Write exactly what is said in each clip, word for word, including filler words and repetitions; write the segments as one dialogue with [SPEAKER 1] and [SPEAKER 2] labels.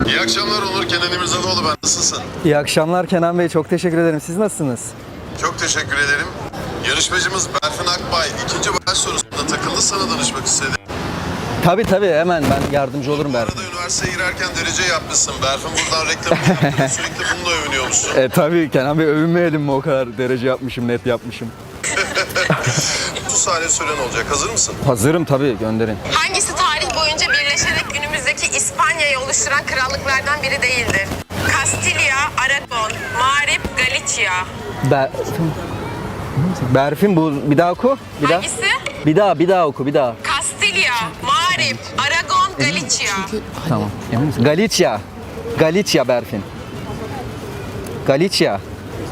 [SPEAKER 1] İyi akşamlar Onur, Kenan İmirzalıoğlu ben. Nasılsın?
[SPEAKER 2] İyi akşamlar Kenan Bey, çok teşekkür ederim. Siz nasılsınız?
[SPEAKER 1] Çok teşekkür ederim. Yarışmacımız Berfin Akbay ikinci baş sorusunda takıldı, sana danışmak istedi.
[SPEAKER 2] Tabii tabii, hemen ben yardımcı olurum
[SPEAKER 1] Bu
[SPEAKER 2] Berfin.
[SPEAKER 1] arada üniversiteye girerken derece yapmışsın. Berfin buradan reklamını yaptı ve sürekli bununla övünüyormuşsun.
[SPEAKER 2] E tabii Kenan Bey, övünmeyelim mi o kadar derece yapmışım, net yapmışım.
[SPEAKER 1] otuz saniye süren olacak. Hazır mısın?
[SPEAKER 2] Hazırım tabii, gönderin.
[SPEAKER 3] Hangisi tarih boyunca birleşerek günümüzdeki İspanya'yı oluşturan krallıklardan biri değildir? Kastilya, Aragon, Mağrip, Galicia.
[SPEAKER 2] Ber... Berfin, bu bir daha oku. Bir daha.
[SPEAKER 3] Hangisi?
[SPEAKER 2] Bir daha, bir daha oku, bir daha.
[SPEAKER 3] Kastilya, Mağrip, Aragon, Galicia.
[SPEAKER 2] Tamam. Emin misin? Galicia. Galicia Berfin. Galicia.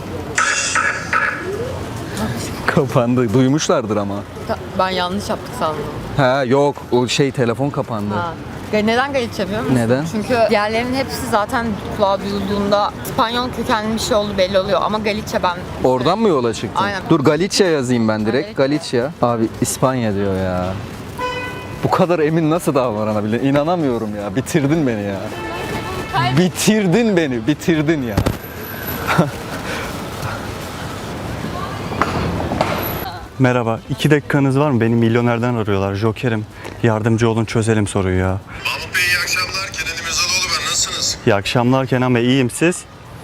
[SPEAKER 2] Kapandı. Duymuşlardır ama.
[SPEAKER 4] Ben yanlış yaptık sandım.
[SPEAKER 2] Ha yok, o şey telefon kapandı.
[SPEAKER 4] Ha. Neden Galicia biliyor musun?
[SPEAKER 2] Neden?
[SPEAKER 4] Çünkü diğerlerinin hepsi zaten kulağa duyulduğunda İspanyol kökenli bir şey oldu belli oluyor ama Galicia ben...
[SPEAKER 2] Oradan mı yola çıktın?
[SPEAKER 4] Aynen.
[SPEAKER 2] Dur, Galicia yazayım ben direkt.
[SPEAKER 4] Galicia.
[SPEAKER 2] Galicia. Abi İspanya diyor ya. Bu kadar emin nasıl davranabilir? İnanamıyorum ya. Bitirdin beni ya. Bitirdin beni. Bitirdin ya.
[SPEAKER 5] Merhaba, iki dakikanız var mı? Beni milyonerden arıyorlar. Joker'im. Yardımcı olun, çözelim soruyu ya.
[SPEAKER 1] Mahmut Bey iyi akşamlar. Kenan İmirzalıoğlu ben. Nasılsınız?
[SPEAKER 5] İyi akşamlar Kenan Bey, iyiyim siz?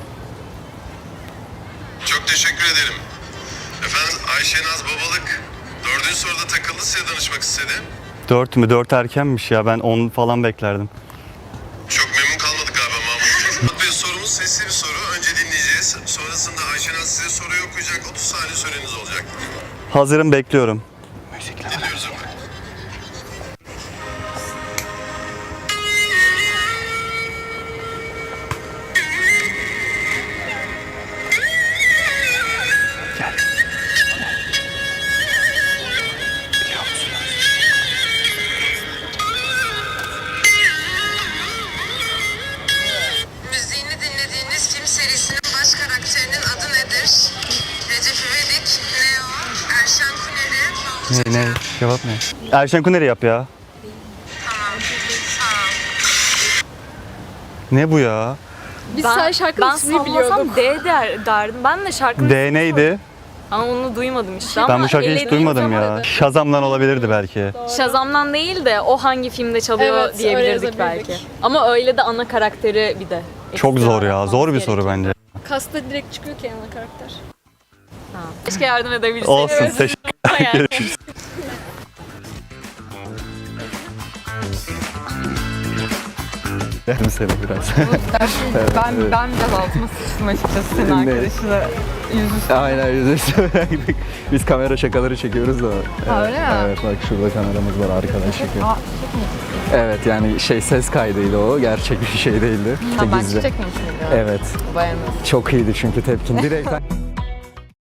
[SPEAKER 1] Çok teşekkür ederim. Efendim Ayşe Naz Babalık dördüncü soruda takıldı, size danışmak istedi.
[SPEAKER 5] Dört mü? Dört erkenmiş ya. Ben on falan beklerdim.
[SPEAKER 1] Çok memnun kalmadık galiba Mahmut Bey. Mahmut Bey sorumuz sesli bir soru. Önce dinleyeceğiz. Sonrasında Ayşe Naz size soruyu okuyacak. otuz saniye süreniz olacak.
[SPEAKER 5] Hazırım, bekliyorum.
[SPEAKER 1] Dinliyoruz efendim.
[SPEAKER 3] Müziğini dinlediğiniz film serisinin baş karakterinin adı nedir? Recep İvedik, Leo, Erşan Kuneri,
[SPEAKER 5] Ne, ne? Cevap ne? Erşen Kuneri yap ya.
[SPEAKER 3] Tamam. Tamam.
[SPEAKER 5] Ne bu ya?
[SPEAKER 6] Biz
[SPEAKER 7] Ben,
[SPEAKER 6] sen şarkının
[SPEAKER 7] ben
[SPEAKER 6] ismini biliyorduk.
[SPEAKER 7] sallasam D der, derdim. Ben de şarkının
[SPEAKER 5] D neydi?
[SPEAKER 7] ama onu duymadım işte.
[SPEAKER 5] Ben
[SPEAKER 7] ama
[SPEAKER 5] bu şarkıyı hiç
[SPEAKER 7] elediğim
[SPEAKER 5] duymadım
[SPEAKER 7] zaman
[SPEAKER 5] ya. Shazam'dan olabilirdi belki.
[SPEAKER 7] Shazam'dan değil de o hangi filmde çalıyor
[SPEAKER 6] Evet, öyle
[SPEAKER 7] diyebilirdik
[SPEAKER 6] yazabilirdik.
[SPEAKER 7] belki. Ama öyle de ana karakteri bir de.
[SPEAKER 5] Çok
[SPEAKER 7] ekstra
[SPEAKER 5] zor ya.
[SPEAKER 7] yapmamız
[SPEAKER 5] Zor bir soru
[SPEAKER 7] gerekiyor.
[SPEAKER 5] bence.
[SPEAKER 6] Kasta direkt çıkıyor ki ana karakter.
[SPEAKER 7] Ha. Keşke yardım edebilseydim.
[SPEAKER 5] Olsun. Teşekkür
[SPEAKER 7] Hayal.
[SPEAKER 5] Görüşürüz.
[SPEAKER 2] Yerim seni biraz.
[SPEAKER 4] ben, ben biraz altıma sıçtım açıkçası senin
[SPEAKER 2] Ne?
[SPEAKER 4] arkadaşına yüzüstü.
[SPEAKER 2] Aynen, yüzüstü bıraktık. Biz kamera şakaları çekiyoruz da.
[SPEAKER 4] Ha, öyle mi?
[SPEAKER 2] Evet, bak şurada kameramız var, arkadan çekiyor.
[SPEAKER 4] Aa, çok mu?
[SPEAKER 2] Evet, yani şey, ses kaydıydı o. Gerçek bir şey değildi.
[SPEAKER 4] Ha, ben
[SPEAKER 2] Gizli.
[SPEAKER 4] çıkacak mıyım şimdi?
[SPEAKER 2] Evet.
[SPEAKER 4] Bayanız.
[SPEAKER 2] Çok iyiydi çünkü tepkin. Direkt